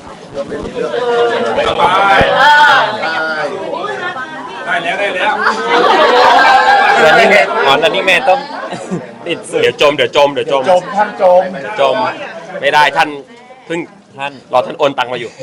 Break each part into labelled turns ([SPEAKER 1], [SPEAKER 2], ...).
[SPEAKER 1] ได้แล้ว
[SPEAKER 2] แล้วนี่แม่ต้องติดสื่อ
[SPEAKER 1] เดี๋ยวจม
[SPEAKER 3] ท่าน
[SPEAKER 1] จมไม่ได้ท่านเพิ่งรอท่านโอนตังมาอยู่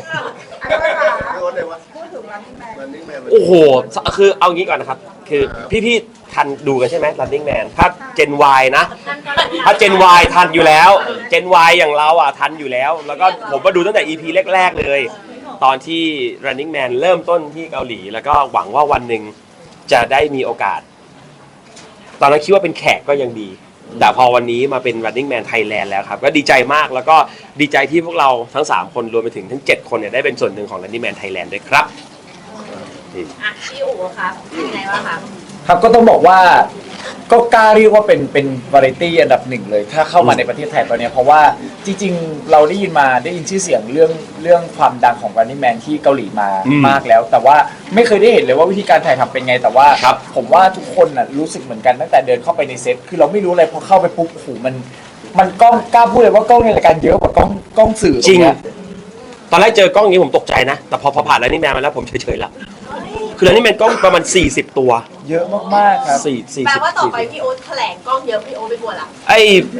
[SPEAKER 1] โอ้โหคือเอางี้ก่อนนะครับคือพี่ทันดูกันใช่ไหม Running Man ถ้า Gen Y นะถ้า Gen Y ทันอยู่แล้ว Gen Y อย่างเราอ่ะทันอยู่แล้วแล้วก็ผมก็ดูตั้งแต่ EP แรกๆเลยตอนที่ Running Man เริ่มต้นที่เกาหลีแล้วก็หวังว่าวันหนึ่งจะได้มีโอกาสตอนนั้นคิดว่าเป็นแขกก็ยังดีแต่พอวันนี้มาเป็น Running Man Thailand แล้วครับก็ดีใจมากแล้วก็ดีใจที่พวกเราทั้ง3คนรวมไปถึงทั้ง7คนเนี่ยได้เป็นส่วนหนึ่งของ Running Man Thailand ด้วยครับ
[SPEAKER 4] พี่อู๋ครับเป็นไงบ้างคะ
[SPEAKER 3] ครับก็ต้องบอกว่าก็กล้าเรียกว่าเป็นวาไรตี้อันดับหนึ่งเลยถ้าเข้ามาในประเทศไทยตอนนี้เพราะว่าจริงๆเราได้ยินชื่อเสียงเรื่องความดังของ Running Man ที่เกาหลีมามากแล้วแต่ว่าไม่เคยได้เห็นเลยว่าวิธีการถ่ายทำเป็นไงแต่ว่าผมว่าทุกคนน่ะรู้สึกเหมือนกันตั้งแต่เดินเข้าไปในเซตคือเราไม่รู้อะไรพอเข้าไปปุ๊บโอ้โหมันกล้องกล้าพูดเลยว่ากล้องในรายการเยอะกว่ากล้องสื่อ
[SPEAKER 1] จริงตอนแรกเจอกล้องนี้ผมตกใจนะแต่พอผ่านแล้วนี่แมนมาแล้วผมเฉยๆละคือแล้วนี่แมนกล้องประมาณ40ตัว
[SPEAKER 3] เยอะมากๆครับ
[SPEAKER 4] แปลว่าต่อไปพี่โอ๊ตแถลงกล้องเยอะพี่โอ๊ตไม่กลัวละ
[SPEAKER 1] ไอ้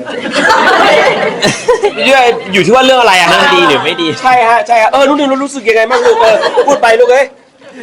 [SPEAKER 1] อยู่ที่ว่าเรื่องอะไรอะฮะ
[SPEAKER 2] ดีหรือไม่ดี
[SPEAKER 1] ใช่ฮะนุ่นรู้สึกยังไงบ้างลูกพูดไปลูกเอ้ย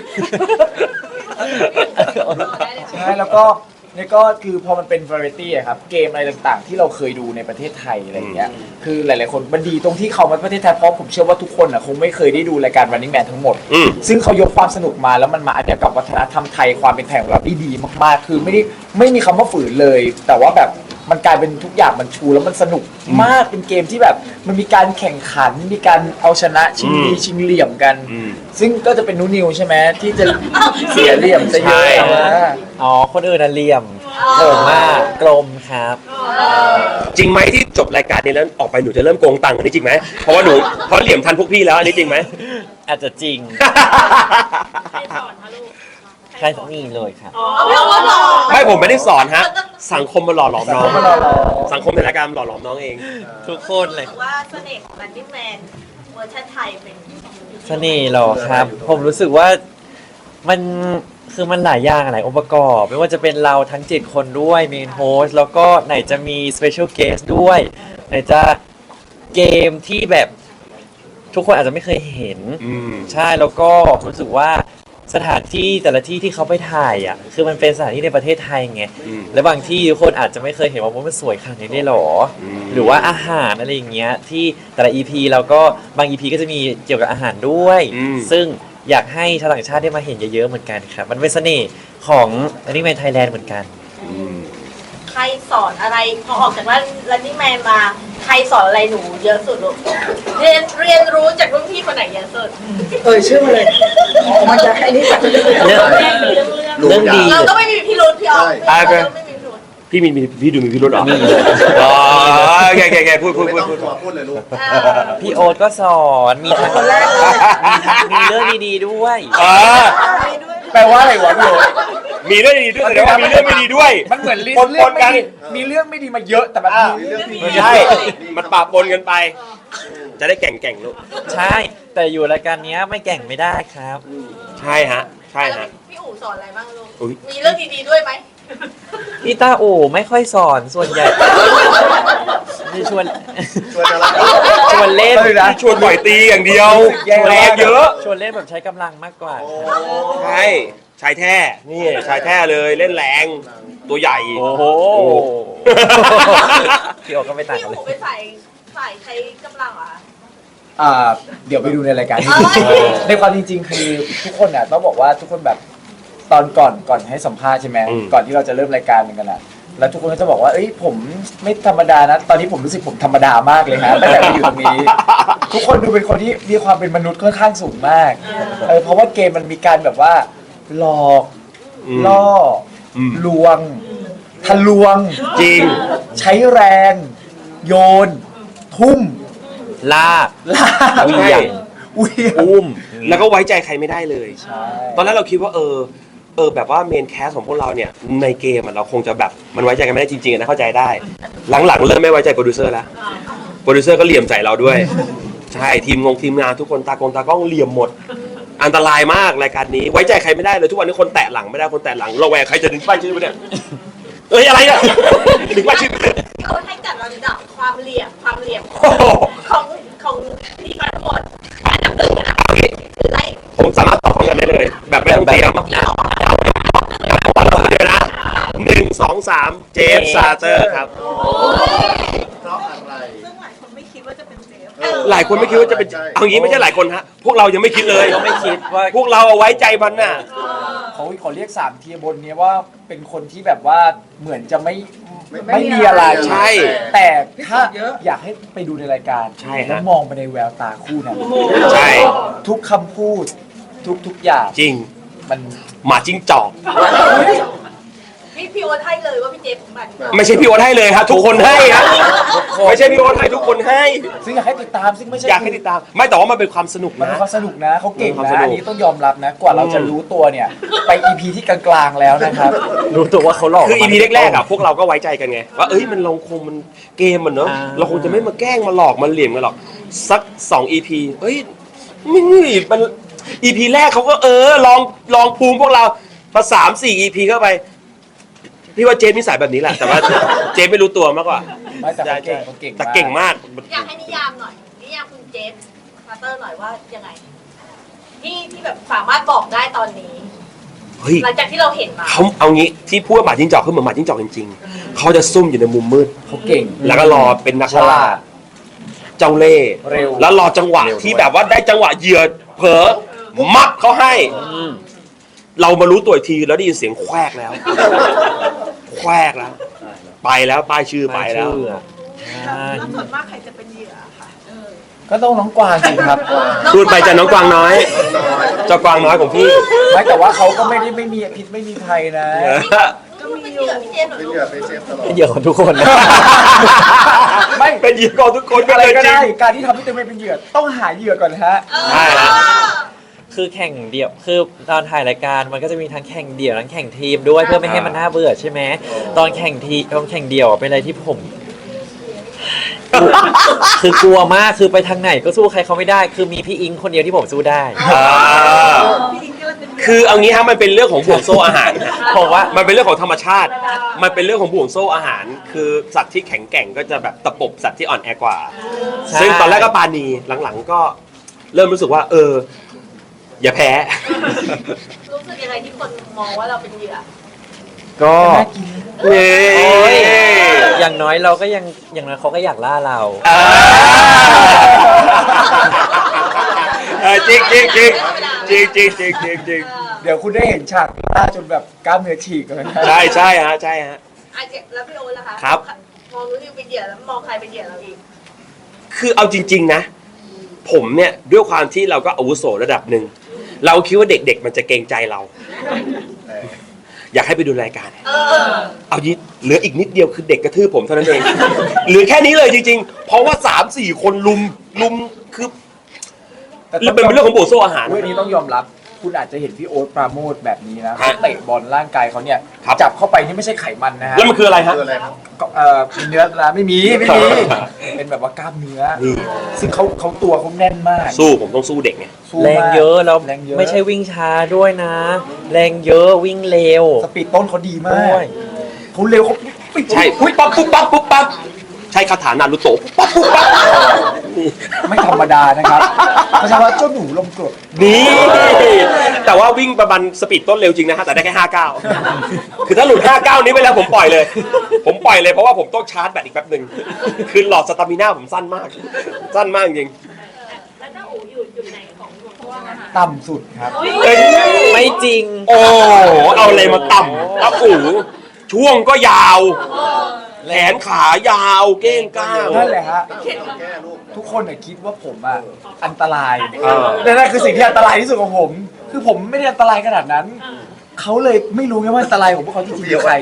[SPEAKER 3] ใช่แล้วก็นี่ก็คือพอมันเป็นวาไรตี้อะครับเกมอะไรต่างๆที่เราเคยดูในประเทศไทยอะไรอย่างเงี้ยคือหลายๆคนมันดีตรงที่เขามาประเทศไทยเพราะผมเชื่อว่าทุกคนอะคงไม่เคยได้ดูรายการ Running Man ทั้งหมดซึ่งเขายกความสนุกมาแล้วมันมาอัดแอปกับวัฒนธรรมไทยความเป็นไทยของเราได้ดีมากๆคือไม่มีคำว่าฝืนเลยแต่ว่าแบบมันกลายเป็นทุกอย่างมันชูแล้วมันสนุกมากเป็นเกมที่แบบมันมีการแข่งขันมีการเอาชนะชิงดีชิงเหลี่ยมกันซึ่งก็จะเป็นนูนิวใช่ไหมที่จะเสียเหลี่ยมจะเยอะ
[SPEAKER 2] อ๋อคนอื่นน่ะเหลี่ยมโกงมากกลมครับ
[SPEAKER 1] จริงไหมที่จบรายการนี้แล้วออกไปหนูจะเริ่มโกงตังค์อันนี้จริงไหมเพราะว่าหนูเพราะเหลี่ยมทันพวกพี่แล้วอันนี้จริงไหม
[SPEAKER 2] อาจจะจริง
[SPEAKER 4] ใครสอนคะลูก
[SPEAKER 2] ใช่นี่เลยครับ
[SPEAKER 1] ไม่ผมไม่ได้สอนฮะสังคมมาหล่อหลอมน้องสังคมในรายการหล่อหลอมน้องเอง
[SPEAKER 2] ทุกคนเลย
[SPEAKER 4] ว่าเสน่ห์ของ Running Man เวอร์ชันไทยเป็น
[SPEAKER 2] เสน่ห์หรอครับผมรู้สึกว่ามันคือมันหลายอย่างหลายองค์ประกอบไม่ว่าจะเป็นเราทั้ง7คนด้วยเมนโฮสแล้วก็ไหนจะมีสเปเชียลเกสด้วยไหนจะเกมที่แบบทุกคนอาจจะไม่เคยเห็นใช่แล้วก็รู้สึกว่าสถานที่แต่ละที่ที่เขาไปถ่ายอ่ะคือมันเป็นสถานที่ในประเทศไทยไงและบางที่ทุกคนอาจจะไม่เคยเห็นว่ามันสวยขนาดนี้ได้หรอหรือว่าอาหารอะไรอย่างเงี้ยที่แต่ละ EP แล้วก็บาง EP ก็จะมีเกี่ยวกับอาหารด้วยซึ่งอยากให้ชาวต่างชาติได้มาเห็นเยอะๆเหมือนกันครับมันเป็นเสน่ห์ของ Running Man Thailand เหมือนกัน
[SPEAKER 4] ใครสอนอะไรพอออกจากRunning Manมาใครสอนอะไรหนูเยอะสุดลูกเรียนรู้จากรุ่นพี่คนไหนเยอะสุด
[SPEAKER 3] ชื่อมาเลยมันจะให้นี่จาก
[SPEAKER 2] เรื่องดี
[SPEAKER 4] เราก็ไม่มีพิรุธพี่ออก
[SPEAKER 1] พี่ดูมีพิรุธหรออ๋อแกพูด
[SPEAKER 3] เลยลูก
[SPEAKER 2] พี่โอ๊ตก็สอนมีทั้งมีเรื่องดีๆด้วย
[SPEAKER 3] แปลว่าอะไรวะพี่โอ๊ต
[SPEAKER 1] มีเรื่องดีด้วยแต่ว่ามีเรื่องไม่ดีด้วย
[SPEAKER 3] มันเหมือนลิสต์เรื่องไม่ดีมีเรื่องไม่ดีมาเยอะแต่มันมีเรื่องดี
[SPEAKER 1] ใช่มันปะปนกันไปจะได้แก่งลูก
[SPEAKER 2] ใช่แต่อยู่รายการนี้ไม่แก่งไม่ได้ครับ
[SPEAKER 1] ใช่ฮะ
[SPEAKER 4] พี่อู๋สอนอะไรบ้างลูกมีเรื่องดีๆด้วยไหม
[SPEAKER 2] พี่ตาอู่ไม่ค่อยสอนส่วนใหญ่ชวนเล่น
[SPEAKER 1] ชวนบ่อยตีอย่างเดียวแรงเยอะ
[SPEAKER 2] ชวนเล่นแบบใช้กำลังมากกว่า
[SPEAKER 1] ใช่ชายแท้นี่ชายแท้เลยเล่นแรงตัวใหญ่
[SPEAKER 2] โอ้โหพี่โอก็ไม่ต่างกันเลย
[SPEAKER 4] พี่อู๋ไปใส่ใช้กำลังเหรอ
[SPEAKER 3] เดี๋ยวไปดูในรายการในความจริงๆคือทุกคนน่ะต้องบอกว่าทุกคนแบบตอนก่อนให้สัมภาษณ์ใช่ไหมก่อนที่เราจะเริ่มรายการกันนะแล้วทุกคนก็จะบอกว่าเอ้ยผมไม่ธรรมดานะตอนนี้ผมรู้สึกผมธรรมดามากเลยฮะตั้งแต่มาอยู่ตรงนี้ทุกคนดูเป็นคนที่มีความเป็นมนุษย์ค่อนข้างสูงมากเพราะว่าเกมมันมีการแบบว่าหลอกล่อลวงทะลวง
[SPEAKER 1] จริง
[SPEAKER 3] ใช้แรงโยนทุ่ม
[SPEAKER 2] ลาก
[SPEAKER 1] เหวี่ยงอุ้มแล้วก็ไว้ใจใครไม่ได้เลยตอนแรกเราคิดว่าแบบว่าเมนแคสของพวกเราเนี่ยในเกมเราคงจะแบบมันไว้ใจกันไม่ได้จริงๆนะเข้าใจได้หลังๆเริ่มไม่ไว้ใจโปรดิวเซอร์แล้วโปรดิวเซอร์ก็เหลี่ยมใส่เราด้วยใช่ทีมงานทุกคนตากล้องเหลี่ยมหมด อันตรายมากรายการนี้ไว้ใจใครไม่ได้เลยทุกวันนี้คนแตะหลังไม่ได้คนแตะหลังระแวงใครจะดึงป้ายชื่อไปเนี่ยเอ้ยอะไรเนี่ยดึงป้ายชื่อไปเนี่ย
[SPEAKER 4] เขาให้จัดลำดับความเหลี่ยม
[SPEAKER 1] โอ้โห
[SPEAKER 4] ของที่ทั้งหมดอันดับหนึ่งอันดับสองคือไล่
[SPEAKER 1] ผมสามารถตอบกันได้เลย แบบไม่ต้องเตรียมเดี๋ยวนะ1 2 3 เจฟซาเตอร์ครับ
[SPEAKER 4] ซึ่งหลายคนไม่คิดว่าจะเป็นเจฟ
[SPEAKER 1] หลายคนไม่คิดว่าจะเป็นเอางี้ไม่ใช่หลายคนฮะพวกเรายังไม่คิดเลย
[SPEAKER 2] ก็ไม่คิดว่า
[SPEAKER 1] พวกเราเอาไว้ใจมันน่ะ
[SPEAKER 3] เขาเรียก3 เทียร์บนเนี้ยว่าเป็นคนที่แบบว่าเหมือนจะไม่มีอะไร
[SPEAKER 1] ใช่
[SPEAKER 3] แต่ถ้าอยากให้ไปดูในรายการ
[SPEAKER 1] ใช่ฮะ
[SPEAKER 3] แล้วมองไปในแววตาคู่นั้น
[SPEAKER 1] ใช่
[SPEAKER 3] ทุกคำพูดทุกอย่าง
[SPEAKER 1] จริง
[SPEAKER 3] มัน
[SPEAKER 1] หมาจิ้งจอก
[SPEAKER 4] พี่โอ๊ตให้เลยว่าพี่เจฟมัน
[SPEAKER 1] ไม่ใช่พี่โอ๊ตให้เลยครับทุกคนให้ครับไม่ใช่พี่โอ๊ตให้ทุกคนให้
[SPEAKER 3] ซึ่งอยากให้ติดตามซึ่งไม่ใช่
[SPEAKER 1] อยากให้ติดตาม ไม่แต่ว่ามันเป็นความสนุก
[SPEAKER 3] มันเป็
[SPEAKER 1] นะ
[SPEAKER 3] นความสนุกนะเขาเก่ง
[SPEAKER 1] มันเป็นความสนุก
[SPEAKER 3] นะอันนี้ต้องยอมรับนะ กว่าเราจะรู้ตัวเนี่ย ไป EP ที่กลางๆแล้วนะครับ
[SPEAKER 2] รู้ตัวว่าเขาหลอก
[SPEAKER 1] คือ EP แรกๆอ่ะพวกเราก็ไว้ใจกันไงว่าเอ้ยมันเราคงมันเกมมันเนอะเราคงจะไม่มาแกล้งมาหลอกมาเหลี่ยมกันหรอกสัก2 EP เอ้ยมัน EP แรกเขาก็ลองภูมิพวกเราพอ3-4 EP เข้าไปพี่ว่าเจมนิสัยแบบนี้แหละแต่ว่าเจมไม่รู้ตัวมากกว่า
[SPEAKER 3] ไม่แต่เขาเก่ง
[SPEAKER 1] แต่เก่งมาก
[SPEAKER 4] อยากให้นิยามหน่อยนิยามคุณเจฟมาเตอร์หน่อยว่ายังไงที่แบบสามารถบอกได้ตอนนี้
[SPEAKER 1] เฮ้ย
[SPEAKER 4] หลังจากที่เราเห็นมา
[SPEAKER 1] เขาเอางี้ที่พูดว่าหมาจิ้งจอกคือเหมือนหมาจิ้งจอกจริงๆเขาจะซุ่มอยู่ในมุมมืด
[SPEAKER 3] เขาเก่ง
[SPEAKER 1] แล้วก็รอเป็นนัก
[SPEAKER 3] ฉ
[SPEAKER 1] ล่า
[SPEAKER 3] ลาด
[SPEAKER 1] เจ้าเล่ห์
[SPEAKER 3] เร็ว
[SPEAKER 1] แล้วรอจังหวะที่แบบว่าได้จังหวะเหยื่อเผลอมัดเขาให้ เรามารู้ตัวอีกทีแล้วได้ยินเสียงแควกแล้ว แควกแล้ว ไปแล้วป้ายชื่อไปแล้ว
[SPEAKER 4] แล้วส่วนมากใครจะเป็นเหยื่อค่ะ
[SPEAKER 3] ก็ต้องน้องกวางสิครับ
[SPEAKER 1] พูดไปจะน้องกวางน้อยเจ้ากวางน้อยของพี่
[SPEAKER 3] ไม่แต่ว่าเขาก็ไม่มีพิษไม่มีภัยนะ
[SPEAKER 4] ก็เป็นเหยื่อพี่เจฟเหรอลูก
[SPEAKER 2] เป็นเหยื่อของทุกคนนะ
[SPEAKER 3] ไม่
[SPEAKER 1] เป็นเหยื่อของทุกคน
[SPEAKER 3] อะไรก็
[SPEAKER 1] จริ
[SPEAKER 3] ได้
[SPEAKER 1] ง
[SPEAKER 3] การที่ทำให้ตัวเองเป็นเหยื่อต้องหาเหยื่อก่อนนะฮะ
[SPEAKER 1] ใช่ฮะ
[SPEAKER 2] คือแข่งเดี่ยวคือตอนถ่ายรายการมันก็จะมีทั้งแข่งเดี่ยวทั้งแข่งทีมด้วยเพื่อไม่ให้มันน่าเบื่อใช่ไหมตอนแข่งเดี่ยวอะเป็นอะไรที่ผม คือกลัวมากคือไปทางไหนก็สู้ใครเขาไม่ได้ คือมีพี่อิงคนเดียวที่ผมสู้ได้
[SPEAKER 1] อ่า
[SPEAKER 4] พี่อิงก็เลยเป็นเหยื่อ
[SPEAKER 1] คือเอางี้ฮะมันเป็นเรื่องของห่วงโซ่อาหารฮะ
[SPEAKER 2] ผมว่า
[SPEAKER 1] มันเป็นเรื่องของธรรมชาติ มันเป็นเรื่องของห่วงโซ่อาหาร คือสัตว์ที่แข็งแกร่งก็จะแบบตะปบสัตว์ที่อ่อนแอกว่า
[SPEAKER 2] ใช่
[SPEAKER 1] ซึ่งตอนแรกก็ปาณีหลังๆก็เริ่มรู้สึกว่า อย่าแพ้
[SPEAKER 4] รู้สึกยังไงที่คนมองว่าเราเป็นเหยื่อ
[SPEAKER 2] ก็
[SPEAKER 1] นี่
[SPEAKER 2] โอ้ยอย่างน้อยเราก็อย่างน้อยเขาก็อยากล่าเรา
[SPEAKER 1] อ่าจริงจริงจริงจริงจริงจริงจริงจริง
[SPEAKER 3] เดี๋ยวคุณได้เห็นฉากหน้าจนแบบกล้ามเนื้อฉีกเลยนะ
[SPEAKER 1] ใช่ใช่ฮะใช่ฮะ
[SPEAKER 4] อ่ะเจฟแล้วพี่โอ๊ตล่ะคะ
[SPEAKER 1] ครับ
[SPEAKER 4] มองรู้สึกเป็นเหยื่อแล้วมองใครเป็นเหยื่อเราอีก
[SPEAKER 1] คือเอาจริง ๆนะ ผมเนี่ยด้วยความที่เราก็อาวุโสระดับหนึ่งเราคิดว่าเด็กๆมันจะเกรงใจเรา อยากให้ไปดูรายการ เอายิเหลืออีกนิดเดียวคือเด็กกระทืบผมเท่านั้นเอง เหลือแค่นี้เลยจริงๆ เพราะว่า 3-4 คนลุมคือเป็นเรื่องของโบโซอาหาร
[SPEAKER 3] เรื่องนี้ต้องยอมรับ คุณอาจจะเห็นพี่โอ๊ตปราโมทแบบนี้นะ
[SPEAKER 1] ฮะ
[SPEAKER 3] เขาเตะบอลร่างกายเขาเนี่ย
[SPEAKER 1] ครับ
[SPEAKER 3] จับเข้าไปนี่ไม่ใช่ไขมันนะฮะ
[SPEAKER 1] แล้วมันคืออะไรฮะ
[SPEAKER 3] ก็เนื้อนะไม่มี เป็นแบบว่ากล้ามเนื้อ
[SPEAKER 1] นี่
[SPEAKER 3] ซึ่งเขาตัวเขาแน่นมาก
[SPEAKER 1] สู้ผมต้องสู้เด็กไง
[SPEAKER 3] สู้
[SPEAKER 2] แรง
[SPEAKER 3] มาก
[SPEAKER 2] เยอะแล้ว
[SPEAKER 3] แรงเยอะ
[SPEAKER 2] ไม่ใช่วิ่งช้าด้วยนะ แรงเยอะวิ่งเร็ว
[SPEAKER 3] สปีดต้นเขาดีมา
[SPEAKER 2] ด้
[SPEAKER 3] ก
[SPEAKER 2] วย
[SPEAKER 3] เขาเร็วเขา
[SPEAKER 1] ใช่ปุ๊บปั๊บปุ๊บปั๊บปุ๊บปั๊บใช่คาถานารุโตะปุ๊บปั๊บปุ๊บปั๊บนี่
[SPEAKER 3] ไม่ธรรมดานะครับเขาใช้ว่าเจ้าหนูลมกรด
[SPEAKER 1] นี่แต่ว่าวิ่งประมาณสปีดต้นเร็วจริงนะฮะแต่ได้แค่59คือถ้าหลุด59นี้ไปแล้วผมปล่อยเลยเพราะว่าผมต้องชาร์จแบตอีกแป๊บหนึ่งคือหลอดสตามิน่าผมสั้นมากจริง
[SPEAKER 4] แล้วถ้าอู๋อยู่จุดไหนของห่วงโซ่อาหาร
[SPEAKER 3] ต่ำสุดครับ
[SPEAKER 1] เอ้ย
[SPEAKER 2] ไม่จริง
[SPEAKER 1] โอ้เอาอะไรมาต่ำครับอู๋ช่วงก็ยาวแขนขายาวเก้งก้าง
[SPEAKER 3] นั่นแหละฮะทุกคนน่ะคิดว่าผมอ่ะอันตราย
[SPEAKER 1] เออ
[SPEAKER 3] แต่นั่นคือสิ่งที่อันตรายที่สุดของผม คือผมไม่ได้อันตรายขนาดนั้น เขาเลยไม่รู้ไงว่าอันตรายของพวกเขาจริงๆคือใคร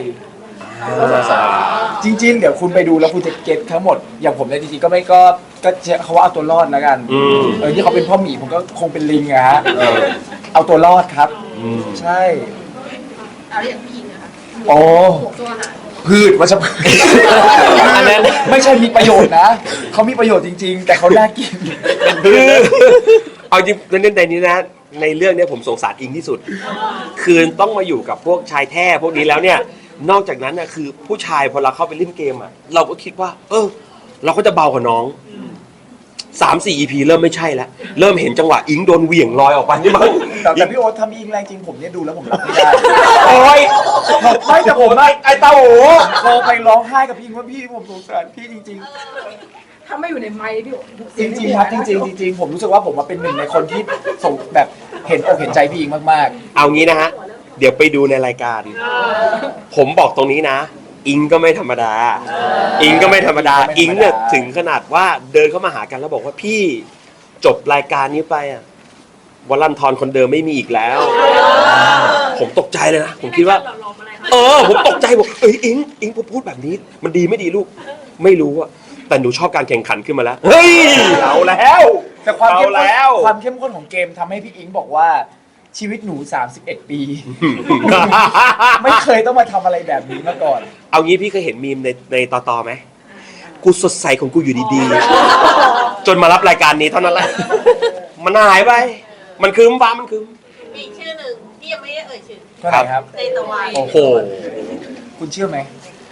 [SPEAKER 3] จริงๆ เดี๋ยวคุณไปดูแล้วคุณจะเก็ตทั้งหมด อย่างผมเนี่ยจริงๆก็ไม่ก็เขาว่าเอาตัวรอดแล้วกัน ที่เขาเป็นพ่อหมีผมก็คงเป็นลิงอะฮะเอาตัวรอดครับ ใช่
[SPEAKER 4] เอาอย่างพี่อิงนะคะ
[SPEAKER 3] โอ้
[SPEAKER 4] ห่วงโซ่อาหาร
[SPEAKER 3] พืชวัชพืช
[SPEAKER 2] อันนั้น
[SPEAKER 3] ไม่ใช่มีประโยชน์นะเขามีประโยชน์จริง ๆ แต่เขาน่ากิน
[SPEAKER 1] คือเอาจริงในนี้นะในเรื่องเนี้ยผมสงสารอิงที่สุด คือต้องมาอยู่กับพวกชายแท้พวกนี้แล้วเนี่ยนอกจากนั้นน่ะคือผู้ชายพอเราเข้าไปเล่นเกมอ่ะเราก็คิดว่า เราก็จะเบากว่าน้อง 3-4 EP เริ่มไม่ใช่แล้วเริ่มเห็นจังหวะอิงโดนเหวี่ยงลอยออกไปนี่มั้ง
[SPEAKER 3] แต่พี่โอ๊ตทำอิงแรงจริงผมเนี่ยดูแล้วผมรับไม่ได้
[SPEAKER 1] โอ้ย
[SPEAKER 3] ไม่แต่ผม
[SPEAKER 1] ไอ้เต้าหู
[SPEAKER 3] โทรไปร้องไห้กับพี่ว่าพี่ผมสงสารพี่จริง
[SPEAKER 5] ถ้าไม่อยู่ในไมค์พี่
[SPEAKER 3] ๆ จริงๆครับจริงๆผมรู้สึกว่าผมมาเป็นหนึ่งในคนที่ส่งแบบเห็นอกเห็นใจพี่อิงมาก
[SPEAKER 1] เอางี้นะฮะเดี๋ยวไปดูในรายการ ผมบอกตรงนี้นะ อิงก็ไม่ธรรมดา อิงก็ไม่ธรรมดา อิงเนี่ยถึงขนาดว่าเดินเข้ามาหากันแล้วบอกว่าพี่จบรายการนี้ไปอ่ะวลันทรคนเดิมไม่มีอีกแล้ว ผมตกใจเลยนะ ผมคิดว่า ผมตกใจบอกอิงพูดแบบนี้ มันดีไม่ดีลูก ไม่รู้อะแต่หนูชอบการแข่งขันขึ้นมาแล้ว เฮ้ยเอาแล้ว
[SPEAKER 3] ๆแต่ความเข้ม
[SPEAKER 1] เอา
[SPEAKER 3] ข้น
[SPEAKER 1] แล้ว
[SPEAKER 3] ความเข้มข้นของเกมทำให้พี่อิงบอกว่าชีวิตหนู 31 ปี ไม่เคยต้องมาทำอะไรแบบนี้มาก่อน
[SPEAKER 1] เอางี้พี่เคยเห็นมีมในต่อไหม กูสดใสของกูอยู่ดีๆ จนมารับรายการนี้เท่านั้นแหละ มันหายไป มันคืมฟ้ามันคืม
[SPEAKER 4] มีอีกชื่อหนึ่งที่ยังไม่ได้เอ่ยชื่อ
[SPEAKER 3] ก็ไหนครับ
[SPEAKER 4] ในตะวัน
[SPEAKER 1] โอ้โห
[SPEAKER 3] คุณเชื่อไหม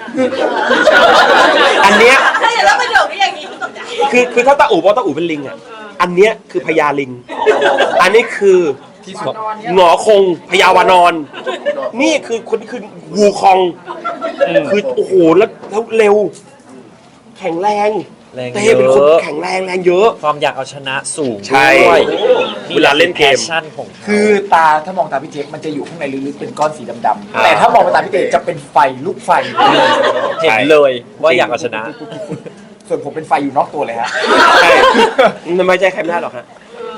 [SPEAKER 1] อันเนี้ย
[SPEAKER 4] ถ้าอย่างนั้นประโยคนี้อย่างนี้ตกใจ
[SPEAKER 1] คือถ้าตาอู่บอกตาอู่เป็นลิงอ่ะ อันเนี้ยคือพญาลิง อันนี้คือที่สุดหงอคงพญาวานอน นี่คือคนที่คือวูคอง คือโอ้โหแล้วเร็ว แข็งแรง
[SPEAKER 2] แรง
[SPEAKER 1] เต้
[SPEAKER 2] เย
[SPEAKER 1] เป็นคน
[SPEAKER 2] อะ
[SPEAKER 1] แข็งแรงเยอะ
[SPEAKER 2] ความอยากเอาชนะสูง
[SPEAKER 1] ใช่
[SPEAKER 2] ด้วย
[SPEAKER 1] เวลาเล่นเกม
[SPEAKER 2] แพชชั่นของเขา
[SPEAKER 3] คือตาถ้ามองตาพี่เจฟมันจะอยู่ข้างในลึกๆเป็นก้อนสีดำ
[SPEAKER 1] อ่า
[SPEAKER 3] ๆแต่ถ้ามองไปตาพี่เจฟจะเป็นไฟลูกไฟ
[SPEAKER 2] เห็นเลยว่าอยากเอาชนะ
[SPEAKER 3] ส่วนผมเป็นไฟอยู่นอกตัวเลยฮะ
[SPEAKER 1] ใช่ไม่ใช่ใครไม่ได้หรอกฮะ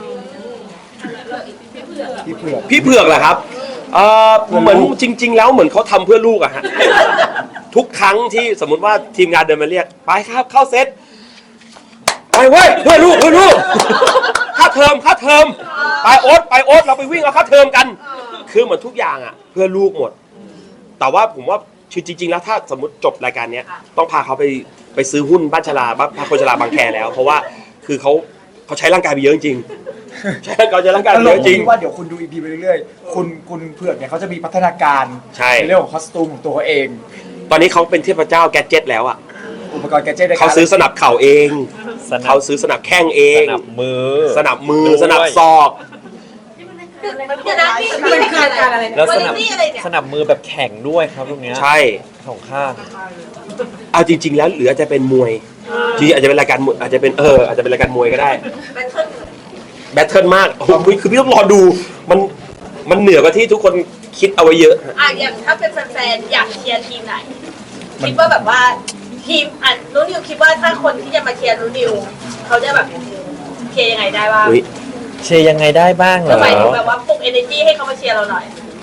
[SPEAKER 3] พี่เผือก
[SPEAKER 1] พี่เผือกเหรอครับเหมือนจริง ๆ แล้วเหมือนเขาทำเพื่อลูกอะฮะ ทุกครั้งที่สมมุติว่าทีมงานเดินมาเรียก ไปครับเข้าเซตไปเว้ยเพื่อลูกค่าเทอมไปโอ๊ตเราไปวิ่งเอาค่าเทอมกัน คือเหมือนทุกอย่างอะเพื่อลูกหมด แต่ว่าผมว่าคือจริง ๆ แล้วถ้าสมมติจบรายการเนี้ยต้องพาเขาไปซื้อหุ้นบ้านชลาพาคนชลาบางแคแล้ว เพราะว่าคือเขาใช้ร่างกายไปเยอะจริงๆใช้ร่างกาย
[SPEAKER 3] ต
[SPEAKER 1] ไป
[SPEAKER 3] ล
[SPEAKER 1] เย
[SPEAKER 3] ก
[SPEAKER 1] อะจริง
[SPEAKER 3] ที่ว่าเดี๋ยวคุณดูอีพีไปเรื่อยๆคุณเผือกเนี่ยเขาจะมีพัฒนาการ
[SPEAKER 1] ใช่
[SPEAKER 3] เรื่องของคอสตูมของตัวเขาเอง
[SPEAKER 1] ตอนนี้เขาเป็นเทพเจ้าแกดเจ็ตแล้วอ่ะ
[SPEAKER 3] อุปกรณ์แกดเจ็ตในกร
[SPEAKER 1] เขาซื้อสนับเข่าเอง
[SPEAKER 2] สนับ
[SPEAKER 1] เขาซื้อสนับแข้งเอ
[SPEAKER 2] ส
[SPEAKER 1] ง
[SPEAKER 2] นับมือ
[SPEAKER 1] สนับมือ
[SPEAKER 2] ด้วย
[SPEAKER 1] สนับศอก
[SPEAKER 4] เดี๋ยวนะนี่
[SPEAKER 5] เป็นคือการอะไรเนี่ย
[SPEAKER 2] แล้วส
[SPEAKER 4] วัน
[SPEAKER 2] นับ
[SPEAKER 4] นี้อะไรเนี่ย
[SPEAKER 2] สนับมือแบบแข็งด้วยครับตรงเนี้ย
[SPEAKER 1] ใช่
[SPEAKER 2] สองข้าง
[SPEAKER 1] เอาจริง ๆ แล้วเหลือจะเป็นมวยจริงๆอาจจะเป็นรายการมวยอาจจะเป็นรายการมวยก็ได้
[SPEAKER 4] เป็นเครื่อง
[SPEAKER 1] แบทเทิลมากโอ้โหคือพี่ต้องรอดูมันเหนือกว่าที่ทุกคนคิดเอาไว้เยอะ
[SPEAKER 4] อย่างถ้าเป็นแฟนๆอยากเชียร์ทีมไหน คิดว่าแบบว่าทีมนูนิวคิดว่าถ้าคนที่จะมาเชียร์นูนิวเขาจะแบบเชียร์ยังไงได้บ้าง
[SPEAKER 1] อุ๊ย
[SPEAKER 2] เชียร์ยังไงได้บ้างเหร
[SPEAKER 4] ก็
[SPEAKER 2] อ
[SPEAKER 4] หมายถึงแบบว่าปลุก energy ให้เขามาเชียร์เราหน่อย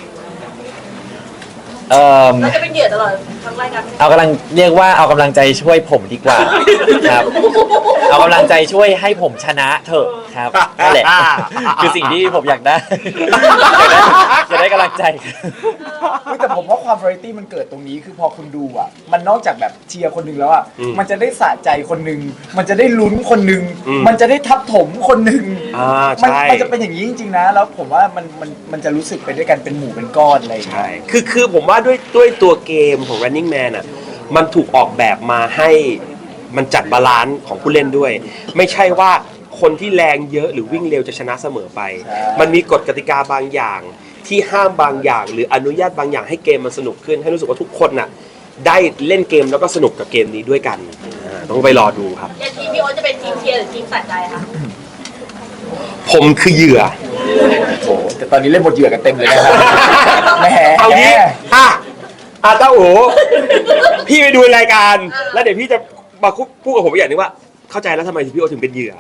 [SPEAKER 4] เราจะเป็นเหยื่อตลอดทั้งรายการ
[SPEAKER 2] เอากำลังเรียกว่าเอากำลังใจช่วยผมดีกว่าครับ เอากำลังใจช่วยให้ผมชนะเถอะครับนั่นแหละคือสิ่งที่ผมอยากได้อยากได้กำลังใจ
[SPEAKER 3] แต่ผมว่าความ variety มันเกิดตรงนี้คือพอคุณดูอ่ะมันนอกจากแบบเชียร์คนหนึ่งแล้วอ่ะ
[SPEAKER 1] อืม
[SPEAKER 3] มันจะได้สะใจคนหนึ่งมันจะได้ลุ้นคนหนึ่ง
[SPEAKER 1] อืม
[SPEAKER 3] มันจะได้ทับถมคนหนึ่ง
[SPEAKER 1] ใช่
[SPEAKER 3] มันจะเป็นอย่างนี้จริงๆนะแล้วผมว่ามันจะรู้สึกไปด้วยกันเป็นหมู่เป็นก้อนอะไรอย่างเงี้ย
[SPEAKER 1] ใช่คือผมว่าด้วยตัวเกมของ Running Man อ่ะ มันถูกออกแบบมาให้มันจัดบาลานซ์ของผู้เล่นด้วย ไม่ใช่ว่าคนที่แรงเยอะหรือวิ่งเร็วจะชนะเสมอไป
[SPEAKER 3] ใช่
[SPEAKER 1] มันมีกฎกติกาบางอย่างที่ห้ามบางอย่าง หรืออนุญาตบางอย่างให้เกมมันสนุกขึ้น ให้รู้สึกว่าทุกคนน่ะได้เล่นเกมแล้วก็สนุกกับเกมนี้ด้วยกันต้องไปรอดูครับ
[SPEAKER 4] อย่างทีมพี่โอ๊ตจะเป็นทีมเชียร์หรือทีมสะใจคะ
[SPEAKER 1] ผมคือเหยื่อ
[SPEAKER 3] โอ้แต่ตอนนี้เล่นบทเหยื่อกันเต็มเลยนะครับแหม
[SPEAKER 1] เอางี้เต้าโอพี่ไปดูรายการ แล้วเดี๋ยวพี่จะมาพูดกับผมอีกอย่างนึงว่า เข้าใจแล้วทำไมพี่โอถึงเป็นเหยื่อ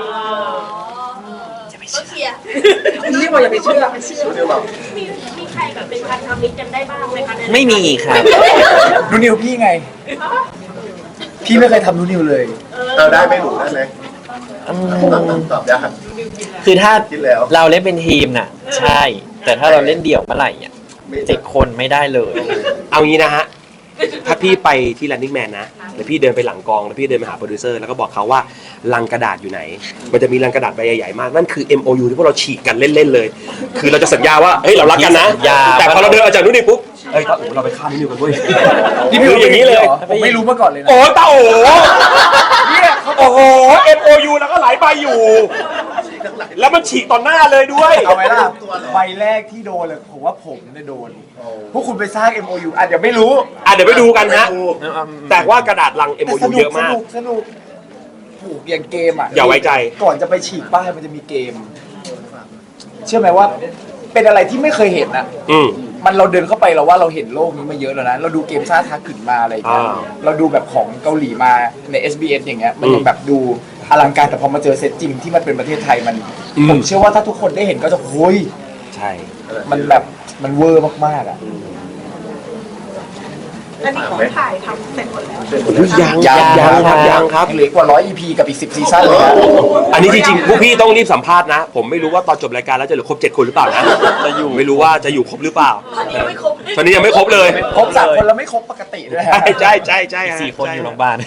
[SPEAKER 4] ต้องเชียร์
[SPEAKER 5] นี่บอกอย่าไปเชื่อ
[SPEAKER 4] มีใครแบบเป็นพันธมิตรกันได้บ้างไหมคะ
[SPEAKER 2] ไม่มีครับ
[SPEAKER 3] นูนิวพี่ไง พี่ไม่เคยทำนูนิวเลย
[SPEAKER 6] เราได้ไม่หนูได้ไหมตอบยาก
[SPEAKER 2] คือถ้า
[SPEAKER 6] คิดแล้ว
[SPEAKER 2] เราเล่นเป็นทีมน่ะ ใช่ แต่ถ้าเราเล่นเดี่ยวเมื่อไหร่อ่ะ
[SPEAKER 6] ไม่
[SPEAKER 2] 7 คนไม่ได้เลย
[SPEAKER 1] เอางี้นะฮะถ้าพี่ไปที่ Running Man นะแล้วพี่เดินไปหลังกองแล้วพี่เดินไปหาโปรดิวเซอร์แล้วก็บอกเขาว่าลังกระดาษอยู่ไหนมันจะมีลังกระดาษใบใหญ่ๆมากนั่นคือ MOU ที่พวกเราฉีกกันเล่นๆเลยคือเราจะสัญญาว่าเฮ้ยเรารักกันนะแต่พอเราเดินออกจากนู่นนี่ปุ๊บเฮ้ยตาโอ๋เราไปฆ่านิวกันเว้ย
[SPEAKER 3] นี่พี่
[SPEAKER 1] คืออย่างนี้เลย
[SPEAKER 3] ผมไม่รู้มาก่อนเลยนะ
[SPEAKER 1] โอ้ตาโอ๋เนี่ยโอ้โห MOU แล้วก็หลายใบอยู่ แล้วมันฉีกต่อหน้าเลยด้วย
[SPEAKER 3] เอาไว้ล่ะใบแรกที่โดนเลยผมว่าผมเนี่ยโดนพวกคุณไปสร้าง MOU อาจจะไม่รู้
[SPEAKER 1] เดี๋ยวไปดูกันฮะแต่ว่ากระดาษลัง
[SPEAKER 3] แต่
[SPEAKER 1] MOU เยอะมาก
[SPEAKER 3] สนุกผูกอย่างเกมอ่ะ
[SPEAKER 1] อย่าไว้ใจ
[SPEAKER 3] ก่อนจะไปฉีกป้ายมันจะมีเกม เชื่อไหมว่าเป็นอะไรที่ไม่เคยเห็นอ่ะ
[SPEAKER 1] อืม
[SPEAKER 3] มันเราเดินเข้าไปเราว่าเราเห็นโลกนี้มาเยอะแล้วนะเราดูเกมซ่าทักขึ้นมาอะไรอย่างเงี้ย
[SPEAKER 1] อ่า
[SPEAKER 3] เราดูแบบของเกาหลีมาใน SBS อย่างเงี้ยมันยังแบบดูอลังการแต่พอมาเจอเซตจริงที่มันเป็นประเทศไทยมันผมเชื่อว่าถ้าทุกคนได้เห็นก็จะโอ้ย
[SPEAKER 1] ใช่
[SPEAKER 3] มันแบบมันเวอร์มากๆอ่ะ
[SPEAKER 5] อันนี้ของถ่ายทำเสร็จหมดแล้ว
[SPEAKER 1] ยังครับ
[SPEAKER 3] เหลือกว่า100 EP กับอีก10ซีซั่นเลยนะ
[SPEAKER 1] อันนี้จริงๆพวกพี่ต้องรีบสัมภาษณ์นะ ผมไม่รู้ว่าตอนจบรายการแล้วจะเหลือครบ7 คนหรือเปล่านะจะอยู่ไม่รู้ว่าจะอยู่ครบหรือเปล่า
[SPEAKER 4] ตอนนี้ยังไม่ครบ
[SPEAKER 1] ตอนนี้ยังไม่ครบเลย
[SPEAKER 3] ครบ3 คนแล้วไม่ครบปกติด้วยฮะ
[SPEAKER 1] ใช่ฮะ
[SPEAKER 2] 4 คนอยู่โรงพยาบาล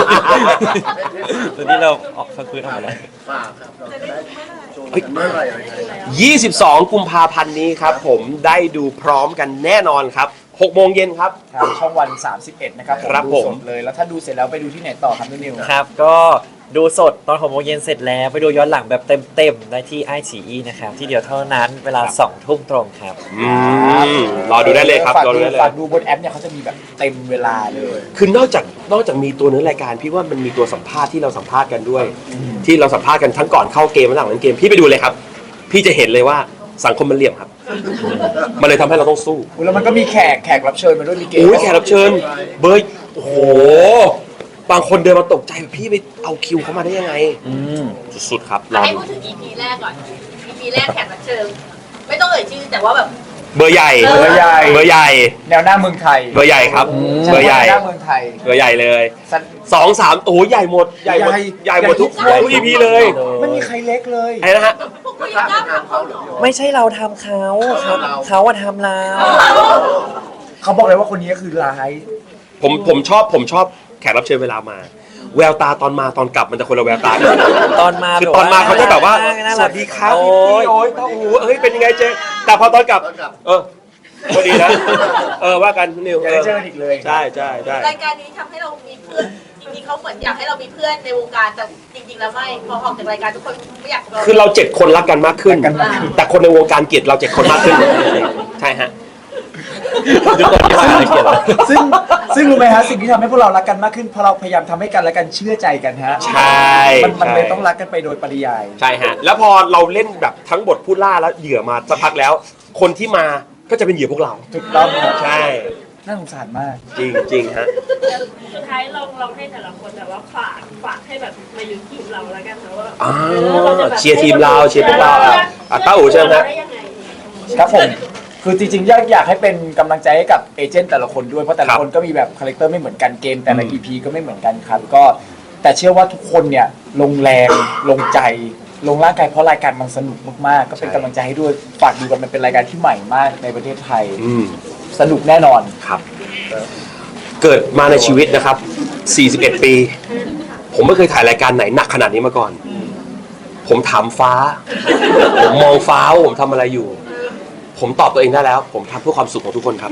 [SPEAKER 2] ตอนนี้เราออกสักพื้นออกมาแล้ว
[SPEAKER 6] ฝากครับเราจะได้โชว์กันเมื่อไหร่อะไรยังไง
[SPEAKER 1] 22 กุมภาพันธ์นี้ครับผมได้ดูพร้อมกันแน่นอนครับ6 โมงเย็นครับ
[SPEAKER 3] ทางช่องวัน 31 นะครับ
[SPEAKER 1] ครับ
[SPEAKER 3] ดู
[SPEAKER 1] ผม
[SPEAKER 3] สดเลยแล้วถ้าดูเสร็จแล้วไปดูที่ไหนต่อครับนิว
[SPEAKER 2] ครับก็ดูสดตอน6 โมงเย็นเสร็จแล้วไปดูย้อนหลังแบบเต็มๆได้ที่ iQIYI นะครับที่เดียวเท่านั้นเวลา 2 ทุ่มตรงครับ
[SPEAKER 1] รอดูได้เลยครับ
[SPEAKER 3] ฝาก
[SPEAKER 1] รอดู
[SPEAKER 3] ดู
[SPEAKER 1] ได้เลย
[SPEAKER 3] ฝากดูบนแอปเนี่ยเขาจะมีแบบเต็มเวลาเลย
[SPEAKER 1] คือนอกจากมีตัวเนื้อรายการพี่ว่ามันมีตัวสัมภาษณ์ที่เราสัมภาษณ์กันด้วย ที่เราสัมภาษณ์กันทั้งก่อนเข้าเกมและหลังเล่นเกมพี่ไปดูเลยครับ พี่จะเห็นเลยว่าสังคมมันเหลี่ยมครับ มันเลยทำให้เราต้องสู้
[SPEAKER 3] แล้วมันก็มีแขกรับเชิญมาด้วยมีเกม
[SPEAKER 1] โอ้ยแขกรับเชิญเบย์โอ้โหบางคนเดินมาตกใจแบบพี่ไปเอาคิวเขามาได้ยังไงสุดๆครับรอ
[SPEAKER 4] ให้
[SPEAKER 1] ดู
[SPEAKER 4] พูดถึง EP แรกก่อน EP แรกแขกรับเชิญไม่ต้องเอ่ยชื่อแต่ว่าแบบ
[SPEAKER 1] เบอร์ใหญ่
[SPEAKER 3] เบอร์ใหญ่
[SPEAKER 1] เบอร์ใหญ่
[SPEAKER 3] แนวหน้าเมืองไทย
[SPEAKER 1] เบอร์ใหญ่ครับเบอร์ใหญ่
[SPEAKER 3] แนวหน้าเมืองไทย
[SPEAKER 1] เบอร์ใหญ่เลย
[SPEAKER 3] สัตว์
[SPEAKER 1] 2 3โอ้โหใหญ่หมดใหญ่หมด
[SPEAKER 3] ใหญ่
[SPEAKER 1] ใหญ่หมดทุก
[SPEAKER 3] ใหญ่
[SPEAKER 1] EP เลย
[SPEAKER 3] ไม่มีใครเล็กเลย
[SPEAKER 1] อะไรนะฮะ
[SPEAKER 4] พวกคุณยังกล้าทำเขาเหรอ
[SPEAKER 2] ไม่ใช่เราทำเขาครับเขาอะทำเรา
[SPEAKER 3] เขาบอกเลยว่าคนนี้คือร้าย
[SPEAKER 1] ผมชอบแขกรับเชิญเวลามา แววตาตอนมาตอนกลับมันจะคนละแววตา
[SPEAKER 2] ตอนมา
[SPEAKER 1] คือตอนมาเขาจะแบบว่า
[SPEAKER 2] น่
[SPEAKER 1] ส
[SPEAKER 2] รั
[SPEAKER 1] วั
[SPEAKER 2] ก
[SPEAKER 1] สดีครับ
[SPEAKER 2] โอ้
[SPEAKER 1] พี่
[SPEAKER 2] ย
[SPEAKER 1] โอ้ยตาอูเอ้ยเป็นยังไงเจ๊แต่พอตอนกลับพอดีนะว่ากันคุณนิว
[SPEAKER 3] อย่าได้เจอกันอีกเลย
[SPEAKER 1] ใช่
[SPEAKER 4] รายการนี้ทำให้เรามีเพื่อนจริงๆเขาเหมือนอยากให้เรามีเพื่อนในวงการแต่จริงๆแล้วไม่พอออกจากรายการทุกคนไม่อยากเรา
[SPEAKER 1] คือเรา7 คนรักกันมากขึ้น
[SPEAKER 3] รักกันมากขึ้น
[SPEAKER 1] แต่คนในวงการเกลียดเรา7 คนมากขึ้นใช่ฮะ
[SPEAKER 2] ทุกคนที่มาเขียน
[SPEAKER 3] ซึ่งรู้ไหมฮะสิ่งที่ทำให้พวกเรารักกันมากขึ้นเพราะเราพยายามทำให้กันและกันเชื่อใจกันฮะ
[SPEAKER 1] ใช่
[SPEAKER 3] มันเลยต้องรักกันไปโดยปริยาย
[SPEAKER 1] ใช่ฮะแล้วพอเราเล่นแบบทั้งบทผู้ล่าแล้วเหยื่อมาสักพักแล้ว คนที่มาก็จะเป็นเหยื่อพวกเรา
[SPEAKER 3] ถูกต้องครับ
[SPEAKER 1] ใช่
[SPEAKER 3] น่าสงสารมาก
[SPEAKER 1] จริงฮะ
[SPEAKER 7] สุดท้ายเราให้แต่ละคนแบบว่าฝากให้แบบมาอยู่ทีมเราแล้วกันนะว่า
[SPEAKER 1] อ๋อเชียร์ทีมเราเชียร์พวกเราต้าอู๋ใช่ไหมครับ
[SPEAKER 7] ได้ยังไง
[SPEAKER 3] ครับผมคือจริงๆอยากให้เป็นกำลังใจให้กับเอเจนต์แต่ละคนด้วยเพราะแต่ละคนก็มีแบบคาแรคเตอร์ไม่เหมือนกันเกมแต่ละ EP ก็ไม่เหมือนกันครับก็แต่เชื่อว่าทุกคนเนี่ยลงแรงลงใจลงร่างกายเพราะรายการมันสนุกมากๆก็เป็นกำลังใจให้ด้วยฝากดูกันมันเป็นรายการที่ใหม่มากในประเทศไทย สนุกแน่นอน
[SPEAKER 1] ครับ เกิดมาในชีวิตนะครับ 41 ปี ผมไม่เคยถ่ายรายการไหนหนักขนาดนี้มาก่อน ผมถามฟ้า ผมมองฟ้าว่าผมทำอะไรอยู่ ผมตอบตัวเองได้แล้ว ผมทำเพื่อความสุขของทุกคนครับ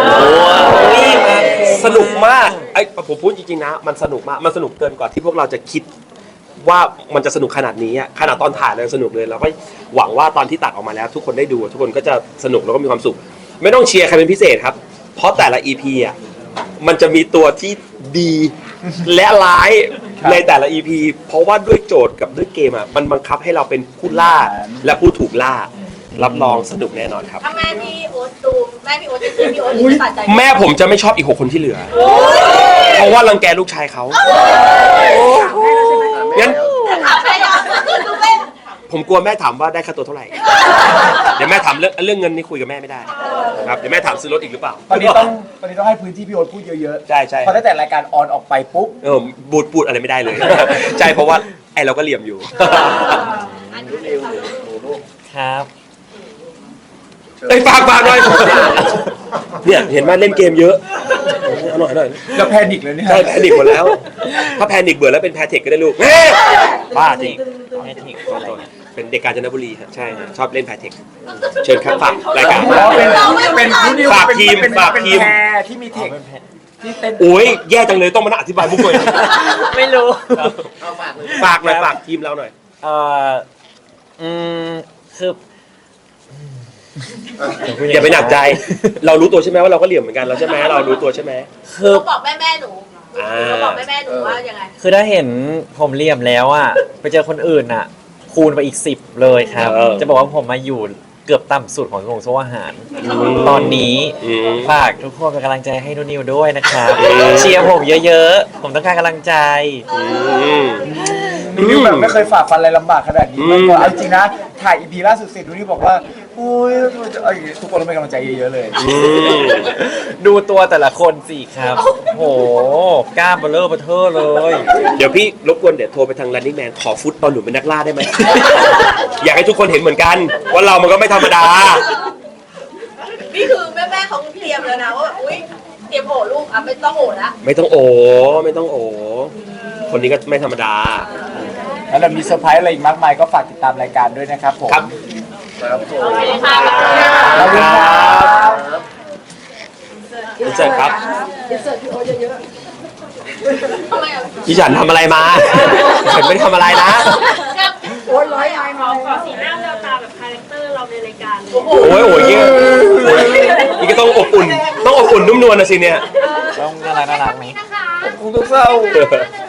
[SPEAKER 1] สนุกมากไอ้ผมพูดจริงๆนะ มันสนุกมาก มันสนุกเกินกว่าที่พวกเราจะคิดว่ามันจะสนุกขนาดนี้อะขนาดตอนถ่ายเลยสนุกเลยเราก็หวังว่าตอนที่ตัดออกมาแล้ว ทุกคนได้ดูทุกคนก็จะสนุกแล้วก็มีความสุข ไม่ต้องเชียร์ใครเป็นพิเศษครับ เพราะแต่ละ EP อ่ะมันจะมีตัวที่ดีและร้ายในแต่ละ EP เพราะว่าด้วยโจทย์กับด้วยเกมอ่ะมันบังคับให้เราเป็นผู้ล่าและผู้ถูกล่ารับรองสนุกแน่นอนครับ
[SPEAKER 4] ถ้าแม่พี่โอ๊ตดูแม่พี่โอ๊ตจะซื้อพี่โอ๊ตจะตัดใจ
[SPEAKER 1] แม่ผมจะไม่ชอบอีก6 คนที่เหลือ เพราะว่ารังแกลูกชายเขางั้น
[SPEAKER 4] ถามใครอ่ะดูแม่
[SPEAKER 1] ผมกลัวแม่ถามว่าได้ค่าตัวเท่าไหร่ เดี๋ยวแม่ถามเรื่องเงินนี่คุยกับแม่ไม่ได้ครับเดี๋ยวแม่ถามซื้อรถอีกหรือเปล่า
[SPEAKER 3] ตอนนี้ต้องให้พื้นที่พี่โอ๊ตพูดเยอะๆ
[SPEAKER 1] ใช่
[SPEAKER 3] เพราะตั้งแต่รายการออนออกไปปุ๊บ
[SPEAKER 1] พูดอะไรไม่ได้เลย ใช่เพราะว่าไอเราก็เหลี่ยมอยู่
[SPEAKER 2] ครับ
[SPEAKER 1] เอ้ยฝากหน่อยเนี่ยเห็นไหมเล่นเกมเยอะเอาหน่อยหน่อย
[SPEAKER 3] เราแพนิคเลยเนี่ย
[SPEAKER 1] ใช่แพนิคหมดแล้ว ถ้าแพนิคเบื่อแล้วเป็นแพเทคก็ได้ลูกบ้าจริง
[SPEAKER 2] แพทริกอะไร
[SPEAKER 1] เป็นเด็กกาญจนบุรีครับใช่ฮะชอบเล่นแพเทคเชิญครับฝากรายการ
[SPEAKER 3] อ๋อเป็นนูนิว
[SPEAKER 1] ฝากทีม
[SPEAKER 3] เป็น
[SPEAKER 1] ฝากทีม
[SPEAKER 3] แพรที่มีเทคที่เต้น
[SPEAKER 1] โอ้ยแย่จังเลยต้องมานั่งอธิบายมุกเลย
[SPEAKER 2] ไม่รู้
[SPEAKER 1] ฝากหน่อยฝากทีมเราหน่อย
[SPEAKER 2] เอ่ออืมคือ
[SPEAKER 1] อย่าไปหนักใจ เรารู้ตัวใช่ไหมว่าเราก็เหลี่ยมเหมือนกันเราใช่ไหมเรารู้ตัวใช่ไหม
[SPEAKER 2] คือ
[SPEAKER 4] เขาบอกแม่หนู
[SPEAKER 1] อ่า
[SPEAKER 4] เขาบอกแม่หนูว่ายังไง
[SPEAKER 2] คือถ้าเห็นผมเหลี่ยมแล้วอ่ะไปเจอคนอื่นอ่ะ คูณไปอีก 10 เลยครับ จะบอกว่าผมมาอยู่เกือบต่ำสุดของวงโซ่อาหาร ตอนนี้ฝากทุกคนเป็นกำลังใจให้นุ่นนิวด้วยนะครับเชียร์ผมเยอะๆ ผมต้องการกำลังใจ
[SPEAKER 3] นูนิวแบบไม่เคยฝ่าฟันอะไรลำบากขนาดนี้มาก่อนเอาจริงนะถ่ายอีพีล่าสุดเสร็จนูนิวบอกว่าโอ้ยทุกคนต้องเป็นกำลังใจเยอะๆเลย
[SPEAKER 2] ดูตัวแต่ละคนสิครับโหกล้ามเบลอเบอเทอร์เลย
[SPEAKER 1] เดี๋ยวพี่รบกวนเดี๋ยวโทรไปทาง Running Man ขอฟุตตอนหนูเป็นนักล่าได้ไหม อยากให้ทุกคนเห็นเหมือนกันว่าเรามันก็ไม่ธรรมดา
[SPEAKER 4] นี่คือแม่เขาเตรียมแล้วนะว่าอุ้ยเตรียมโอลูกอ่ะไม่ต้องโอละ
[SPEAKER 1] ไม่ต้องโอไม่ต้องโอ คนนี้ก็ไม่ธรรมดา
[SPEAKER 3] แล้วเรามีเซอร์ไพรส์อะไรอีกมากมายก็ฝากติดตามรายการด้วยนะครับผม
[SPEAKER 1] ครับ
[SPEAKER 6] ครับผม
[SPEAKER 3] ขอบคุณครับ
[SPEAKER 1] อินเสิร์ตครับ
[SPEAKER 4] ทำไมอ่ะ
[SPEAKER 1] พี่ฉันทำอะไรมา ฉันไม่ได้ทำอะไรนะ
[SPEAKER 7] โอ้ยร้อยไม้ขอสีหน้าแววตาแบบคาแรคเตอร์เราในรายการเลย
[SPEAKER 4] โอ้โห
[SPEAKER 1] โอ้ยโอ้ยเงี้ยนี่ก็ต้องอบอุ่น ต้องอบอุ่นนุ่มนวลนะสิเนี่ย
[SPEAKER 2] ต้องน่ารักไหม
[SPEAKER 3] คุณต้องเศร้า
[SPEAKER 7] 1